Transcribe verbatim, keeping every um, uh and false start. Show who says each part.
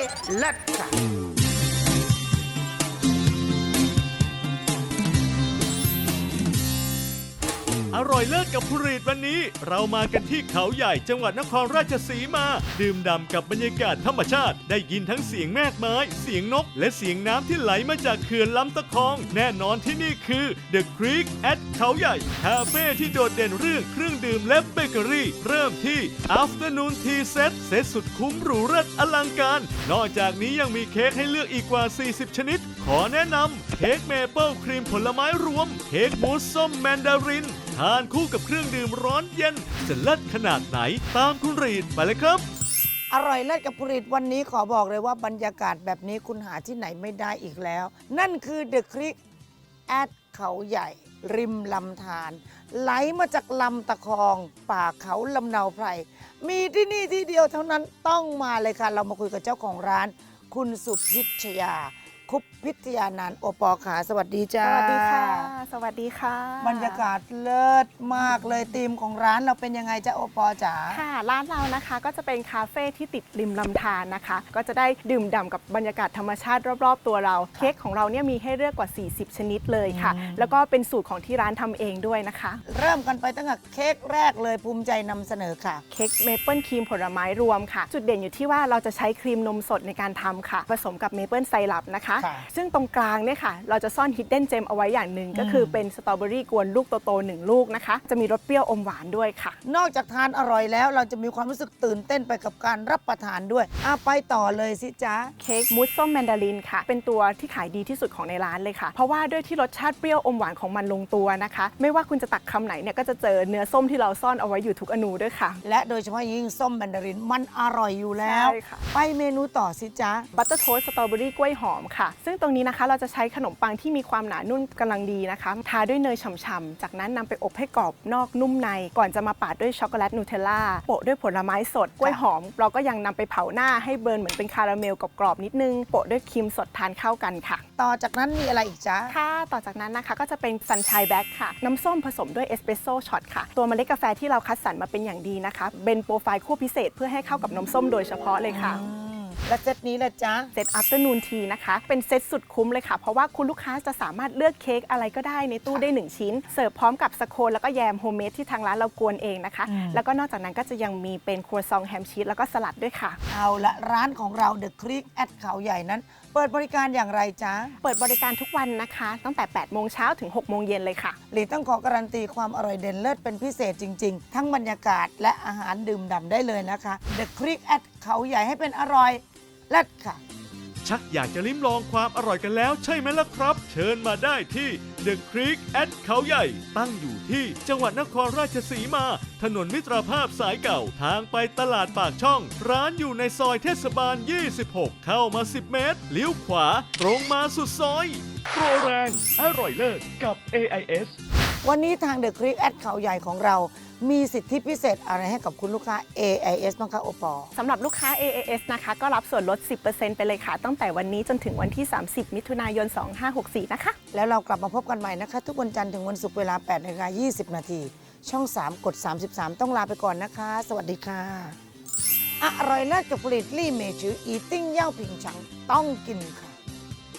Speaker 1: เลิศค่ะ
Speaker 2: อร่อยเลิศกับผลิตวันนี้เรามากันที่เขาใหญ่จังหวัดนครราชสีมาดื่มด่ำกับบรรยากาศธรรมชาติได้ยินทั้งเสียงแมกไม้เสียงนกและเสียงน้ำที่ไหลมาจากเขื่อนลำตะคองแน่นอนที่นี่คือ The Creek at เขาใหญ่คาเฟ่ที่โดดเด่นเรื่องเครื่องดื่มและเบเกอรี่เริ่มที่ Afternoon Tea Set เซตสุดคุ้มหรูเลิศอลังการนอกจากนี้ยังมีเค้กให้เลือกอีกกว่าสี่สิบชนิดขอแนะนำเค้กเมเปิลครีมผลไม้รวมเค้กมูสส้มแมนดารินทานคู่กับเครื่องดื่มร้อนเย็นจะเลิศขนาดไหนตามคุณรีดไปเลยครับ
Speaker 1: อร่อยเลิศกับผลิตวันนี้ขอบอกเลยว่าบรรยากาศแบบนี้คุณหาที่ไหนไม่ได้อีกแล้วนั่นคือ The Creek at เขาใหญ่ริมลำธารไหลมาจากลำตะคองป่าเขาลำเนาไพรมีที่นี่ที่เดียวเท่านั้นต้องมาเลยค่ะเรามาคุยกับเจ้าของร้านคุณสุพิชยาคุปพิทยานันท์โอปอขาสวัสดีจ้า
Speaker 3: สวัสดีค่ะสวัสดีค่ะ
Speaker 1: บรรยากาศเลิศมากเลยธีมของร้านเราเป็นยังไงจ้าโอปอจ๋า
Speaker 3: ค่ะร้านเรานะคะก็จะเป็นคาเฟ่ที่ติดริมลำธารนะคะก็จะได้ดื่มด่ำกับบรรยากาศธรรมชาติรอบๆตัวเราเค้กของเราเนี่ยมีให้เลือกกว่าสี่สิบชนิดเลยค่ะแล้วก็เป็นสูตรของที่ร้านทำเองด้วยนะคะ
Speaker 1: เริ่มกันไปตั้งแต่เค้กแรกเลยภูมิใจนำเสนอค่ะ
Speaker 3: เค้กเมเปิลครีมผลไม้รวมค่ะจุดเด่นอยู่ที่ว่าเราจะใช้ครีมนมสดในการทำค่ะผสมกับเมเปิลไซรัปนะคะซึ่งตรงกลางเนี่ยค่ะเราจะซ่อนฮิดเด้นเจมเอาไว้อย่างหนึ่งก็คือเป็นสตรอเบอรี่กวนลูกโตๆหนึ่งลูกนะคะจะมีรสเปรี้ยวอมหวานด้วยค่ะ
Speaker 1: นอกจากทานอร่อยแล้วเราจะมีความรู้สึกตื่นเต้นไปกับการรับประทานด้วยอ่ะไปต่อเลยสิจ๊ะ
Speaker 3: เค้กมูสส้มแมนดารินค่ะเป็นตัวที่ขายดีที่สุดของในร้านเลยค่ะเพราะว่าด้วยที่รสชาติเปรี้ยวอมหวานของมันลงตัวนะคะไม่ว่าคุณจะตักคำไหนเนี่ยก็จะเจอเนื้อส้มที่เราซ่อนเอาไว้อยู่ทุกอนูด้วยค่ะ
Speaker 1: และโดยเฉพาะยิ่งส้มแมนดารินมันอร่อยอยู่แล้วไปเมนูต่อสิจ๊ะ
Speaker 3: บัตเตอร์โทสต์สตรอเบอรี่กล้วยหอมค่ะซึ่งตรงนี้นะคะเราจะใช้ขนมปังที่มีความหนานุ่มกำลังดีนะคะทาด้วยเนยฉ่ำๆจากนั้นนำไปอบให้กรอบนอกนุ่มในก่อนจะมาปาดด้วยช็อกโกแลตนูเทลล่าโปะด้วยผลไม้สดกล้วยหอมเราก็ยังนำไปเผาหน้าให้เบิร์นเหมือนเป็นคาราเมลกรอบๆนิดนึงโปะด้วยครีมสดทานเข้ากันค่ะ
Speaker 1: ต่อจากนั้นมีอะไรอีกจ๊ะ
Speaker 3: ค่ะต่อจากนั้นนะคะก็จะเป็นซันชัยแบ็คค่ะน้ำส้มผสมด้วยเอสเปรสโซ่ช็อตค่ะตัวเมล็ดกาแฟที่เราคัดสรรมาเป็นอย่างดีนะคะเป็นโปรไฟล์คั่วพิเศษเพื่อให้เข้ากับน้ำส้มโดยเฉพาะเลยค่ะ
Speaker 1: และเซตนี้แหละจ๊ะ
Speaker 3: เซต Afternoon Tea นะคะเป็นเซตสุดคุ้มเลยค่ะเพราะว่าคุณลูกค้าจะสามารถเลือกเค้กอะไรก็ได้ในตู้ได้หนึ่งชิ้นเสิร์ฟพร้อมกับสโคนแล้วก็แยมโฮมเมดที่ทางร้านเรากวนเองนะคะแล้วก็นอกจากนั้นก็จะยังมีเป็นครัวซองแฮมชีสแล้วก็สลัดด้วยค่ะ
Speaker 1: เอาละร้านของเรา The Creek at เขาใหญ่นั้นเปิดบริการอย่างไรจ๊ะ
Speaker 3: เปิดบริการทุกวันนะคะตั้งแต่แปดโมงเช้าถึงหกโมงเย็นเลยค่ะ
Speaker 1: หลีต้องขอการันตีความอร่อยเด่นเลิศเป็นพิเศษจริงๆทั้งบรรยากาศและอาหารดื่มด่ำได้เลยนะคะ The Creek at เขาใหญ่ให้เป็นอร่อยเลิศค่ะ
Speaker 2: ชักอยากจะลิ้มลองความอร่อยกันแล้วใช่ไหมล่ะครับเชิญมาได้ที่ The Creek at เขาใหญ่ตั้งอยู่ที่จังหวัดนครราชสีมาถนนมิตรภาพสายเก่าทางไปตลาดปากช่องร้านอยู่ในซอยเทศบาลยี่สิบหกเข้ามาสิบเมตรเลี้ยวขวาตรงมาสุดซอยโปรแรงอร่อยเลิศกับ เอ ไอ เอส
Speaker 1: วันนี้ทาง The Creek at เขาใหญ่ของเรามีสิทธิพิเศษอะไรให้กับคุณลูกค้า เอ ไอ เอส บ้างคะโอปอ
Speaker 3: สำหรับลูกค้า เอ ไอ เอส นะคะก็รับส่วนลด สิบเปอร์เซ็นต์ ไปเลยค่ะตั้งแต่วันนี้จนถึงวันที่ สามสิบ มิถุนายน สองพันห้าร้อยหกสิบสี่ นะคะ
Speaker 1: แล้วเรากลับมาพบกันใหม่นะคะทุกวันจันทร์ถึงวันศุกร์เวลา แปดนาฬิกายี่สิบนาทีช่อง สาม กด สามสิบสาม ต้องลาไปก่อนนะคะสวัสดีค่ะอร่อยเลิศกับผลิตลี่เมจืออีติ้งเย่าผิงฉังต้องกินค่ะ